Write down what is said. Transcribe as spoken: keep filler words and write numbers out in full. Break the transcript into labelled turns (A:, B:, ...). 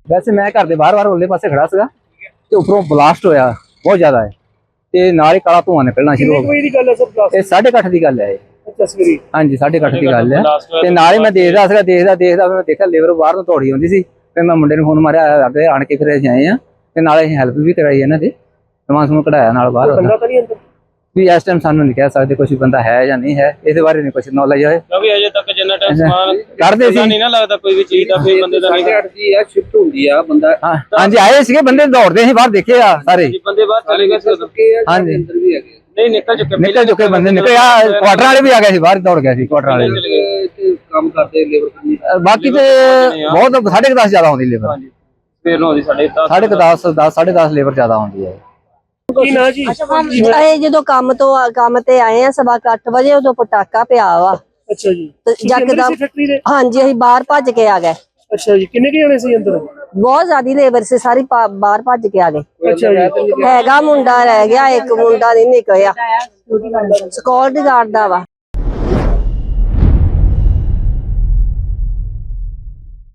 A: वैसे मैं घर के बाहर बाहर उरले पासे खड़ा सीगा ते उपरों ब्लास्ट होया बहुत ज्यादा है ते नाल ही काला धुआं निकलना शुरू हो गया। ये साढ़े अठ की गल है। हाँ जी साढ़े अठ की गल है ते नाल ही मैं देखदा सीगा देखदा देखदा मैं देखा लेबर बाहर तो दौड़ी आउंदी सी फिर मैं मुंडे नूं फोन मारिया आगे आण के फिर असीं आए आ ते नाल असीं हैल्प भी कराई इन्हां दे समान समून कढाया नाल बाहर भी इस टाइम सानू नहीं कह सकते कुछ बंदा है या नहीं है इस बारे नहीं कुछ नॉलेज है क्योंकि अजे तक जिन्ना टाइम समान करदे सी नहीं ना लगदा कोई भी चीज दा फिर बंदे दा साढ़े आठ जी है शिफ्ट हुंदी आ बंदा। हां जी आए सीगे बंदे दौड़दे सी बाहर देखे आ सारे बंदे बाहर चले गए सी। हां जी अंदर भी हैगे नहीं निकल चुके निकल चुके बंदे निकल आ क्वार्टर वाले भी आ गए सी बाहर दौड़ गए सी क्वार्टर वाले काम करते लेबर बाकी ते बहुत साढ़े दस ज्यादा होंदी लेबर फिर नो दी साढ़े साढ़े दस दस साढ़े दस लेबर ज्यादा होंदी है।
B: जो काम तो काम ते आए हैं सवा अठ बजे उदों पटाका पिया वा। अच्छा जी यकदम हाँ जी असीं बाहर भज के आ गए। अच्छा जी किन्ने के जने सी अंदर? बहुत ज्यादा लेबर से सारी बाहर भज के आ गए। अच्छा जी हैगा मुंडा रह गया एक मुंडा नहीं निकलिया सिक्योरिटी गार्ड दा वा।